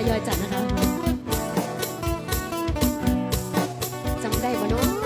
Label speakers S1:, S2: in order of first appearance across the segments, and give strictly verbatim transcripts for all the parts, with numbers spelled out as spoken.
S1: ยอยจัดนะคะจำได้ปะเนาะ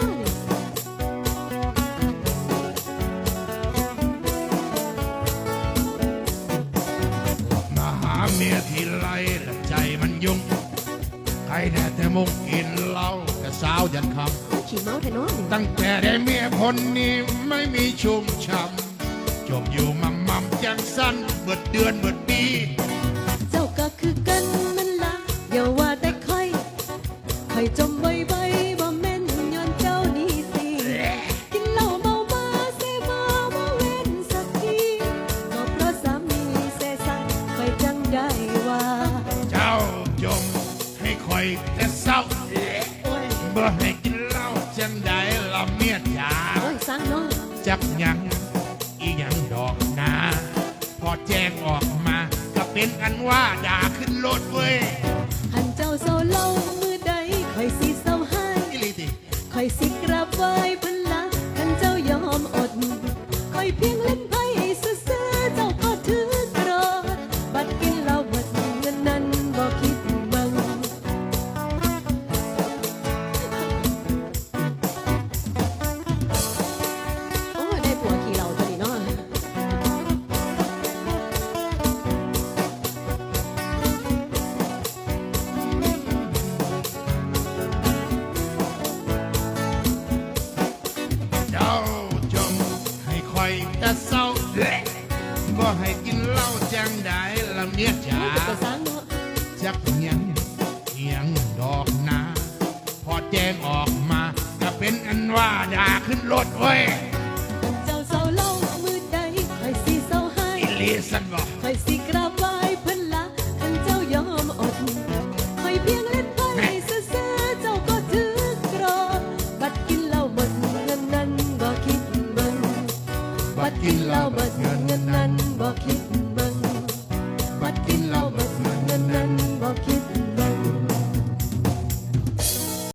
S2: มาหาเมียทีไรละใจมันยุ่งใครแน่แต่มุกกินเหล้ากับสาวยันคำ
S1: ขี่เมาส์แต่เนาะ
S2: ตั้งแต่ได้เมียคนนี้ไม่มีชุ่มช่ำจบอยู่มั่มมั่มจังสั้นเบิดเดือนเบิดปี
S1: เจ้าก็คือกันนั่นละอย่าว่าแต่ค่อยค่อยจมใบใบบ่แม่นย้อนเจ้านี่สิกินเหล้าเมามาเสมาบ่เว้นสักทีก็เพราะสามีเสสังค่อยจังได้ว่า
S2: เจ้าจงให้คอยแต่เศร้าบ่ให้กินเหล้าจังได้ละเมียจ๋า
S1: โอ้ยสร้างเนาะ
S2: จักยังอีหยังดอกนาพอแจ้งออกมาก็เป็นอันว่าด่าขึ้นรถเว้ย
S1: หันเจ้าเศร้าเล่ามือใดค่อยสิเศร้าให้ค่อยสิกราบไหว้เพิ่นละคันเจ้ายอมอดค่อยเพียงเล่นไพ่ซื่อๆเจ้าก็ถือกรอดบัดกินเหล้าเบิดเงินนั้นบ่คิดเบิ่งโอ้ได้ผัวขี่เหล้าตัวนี้เนาะ
S2: เจ้าจงให้คอยแต่เศร้าบ่ให้กินเหล้าจังได้ละเมียจ๋าจักยังเอียงดอกนาพอแจ้งออกมาก็เป็นอันว่าด่าขึ้นรถเว้ย
S1: เจ้าเศร้าเล่ามือใดค่อยสิเศร้าให้
S2: อิลีสันบ่
S1: ค่อยสิกราบไหว้เพิ่นละคันเจ้ายอมอดค่อยเพียงเล่นไพ่ซื่อๆเจ้าก็ถือกรอบัดกินเหล้าเบิดเงินนั้นบ่คิดเบิ่งบัดกินเหล้าเบิดเงินนั้นบ่คิด